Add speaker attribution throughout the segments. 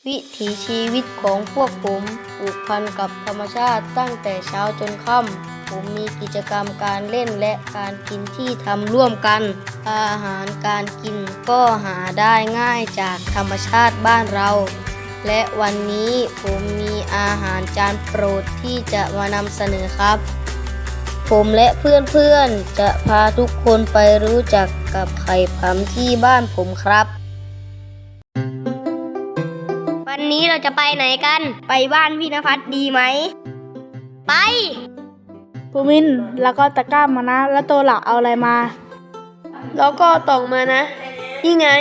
Speaker 1: วิถีชีวิตของพวกผมผูกพันกับธรรมชาติตั้งแต่เช้าจนค่ำผมมีกิจกรรมการเล่นและการกินที่ทำร่วมกัน อาหารการกินก็หาได้ง่ายจากธรรมชาติบ้านเรา และวันนี้ผมมีอาหารจานโปรดที่จะมานำเสนอครับ ผมและเพื่อนๆจะพาทุกคนไปรู้จักกับไข่ผำที่บ้านผมครับ วันนี้เราจะไปไหนกัน ไปบ้านพี่ณภัสดีไหม ไป
Speaker 2: ภูมินแล้วก็ตะกร้ามานะ แล้วตัวหลักเอาอะไรมา
Speaker 1: แล้วก็ตองมานะ นี่ไง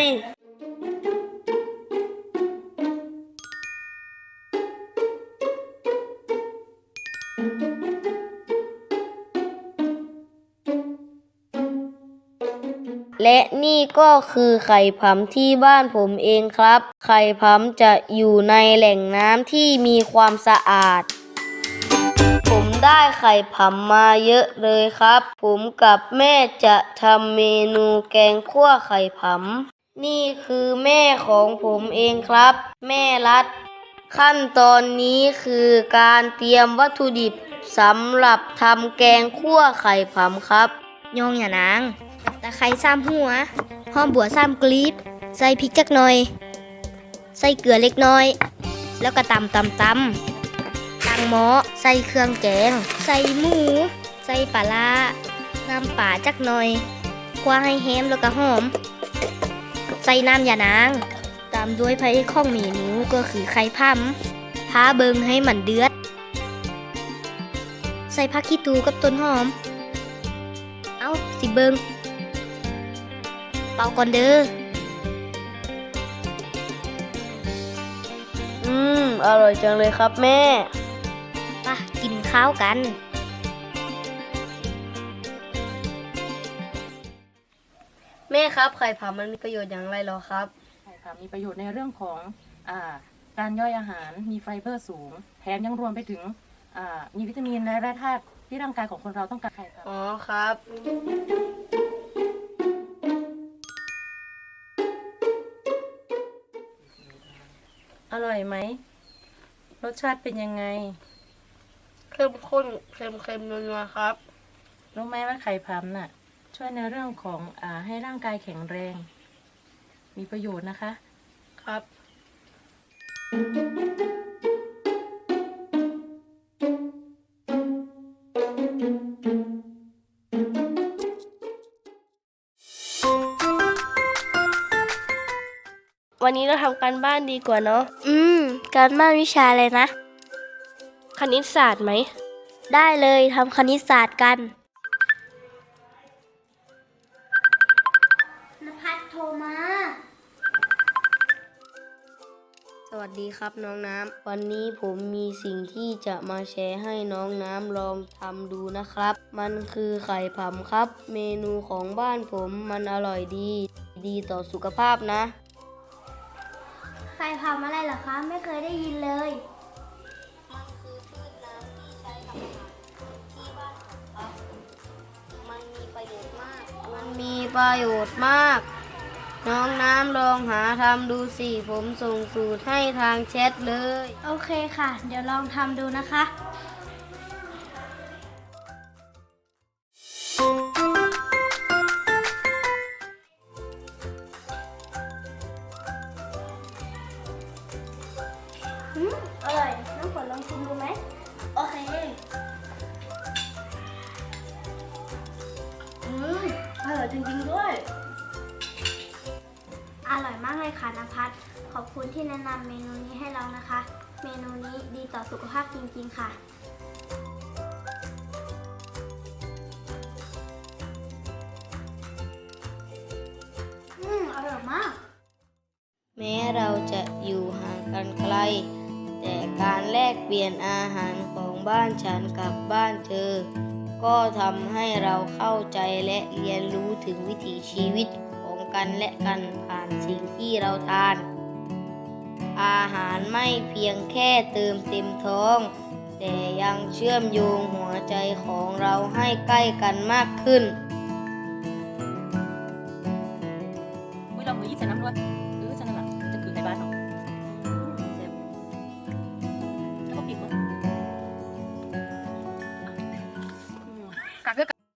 Speaker 1: และนี่ก็คือไข่ผำที่บ้านผมเองครับ ไข่ผำจะอยู่ในแหล่งน้ำที่มีความสะอาด ผมได้ไข่ผำมาเยอะเลยครับ ผมกับแม่จะทำเมนูแกงคั่วไข่ผำนี่คือแม่ของผมเองครับ แม่รัด ขั้นตอนนี้คือการเตรียมวัตถุดิบสำหรับทำแกงคั่วไข่ผำครับยองอย่านางตะไคร้ซ้ำหัวหอมบัวซ้ำกลีบใส่พริกจักหน่อย ใส่เกลือเล็กน้อย แล้วก็ตำตั้งหม้อใส่เครื่องแกง ใส่หมู ใส่ปลาร้าน้ำป่าจักหน่อยคั่วให้แห้มแล้วก็หอม ใส่น้ำยานางตามด้วยพระเอกของเมนูก็คือไข่พำพาเบิงให้มันเดือด ใส่ผักขี้ตูกับต้นหอม เอาสิเบิงเป่าก่อนเด้ออร่อยจังเลยครับแม่ป่ะกินข้าวกันแม่ครับไข่ผำมันมีประโยชน์อย่างไรหรอครับ
Speaker 3: ใช่ค่ะมีประโยชน์ในเรื่องของอ่าการย่อยอาหารมีไฟเบอร์สูงแถมยังรวมไปถึงมีวิตามินและแร่ธาตุที่ร่างกายของคนเราต้องการค่ะ
Speaker 1: อ๋อครับ
Speaker 3: อร่อยไหมรสชาติเป็นยังไง
Speaker 1: เข้มข้นเค็มๆนัวๆครับ
Speaker 3: รู้ไหมว่าไข่พำน่ะช่วยในเรื่องของให้ร่างกายแข็งแรง มีประโยชน์นะคะ
Speaker 1: ครับ วันนี้เราทำการบ้านดีกว่าเนาะ การบ้านวิชาอะไรนะ คณิตศาสตร์ไหม ได้เลยทำคณิตศาสตร์กันนภัสโทรมา สวัสดีครับน้องน้ำ วันนี้ผมมีสิ่งที่จะมาแชร์ให้น้องน้ำลองทำดูนะครับ มันคือไข่ผำครับ เมนูของบ้านผมมันอร่อยดีต่อสุขภาพนะ
Speaker 4: ไข่ผำอะไรเหรอคะ ไม่เคยได้ยินเลย
Speaker 1: มันคือพืชน้ำที่ใช้ทำอาหารที่บ้านผมครับ มันมีประโยชน์มาก น้องน้ำลองหาทำดูสิ ผมส่งสูตรให้ทางแชทเลย
Speaker 4: โอเคค่ะ เดี๋ยวลองทำดูนะคะ อร่อย น้ำฝนลองชิมดูไหม โอเค
Speaker 2: อร่อยจริงๆด้วย
Speaker 4: อร่อยมากเลยค่ะนภัสขอบคุณที่แนะนำเมนูนี้ให้เรานะคะ เมนูนี้ดีต่อสุขภาพจริงๆค่ะ อร่อยมาก
Speaker 1: แม้เราจะอยู่ห่างกันไกล แต่การแลกเปลี่ยนอาหารของบ้านฉันกับบ้านเธอ ก็ทำให้เราเข้าใจและเรียนรู้ถึงวิถีชีวิตของกันและกันผ่านสิ่งที่เราทาน อาหารไม่เพียงแค่เติมเต็มท้อง แต่ยังเชื่อมโยงหัวใจของเราให้ใกล้กันมากขึ้น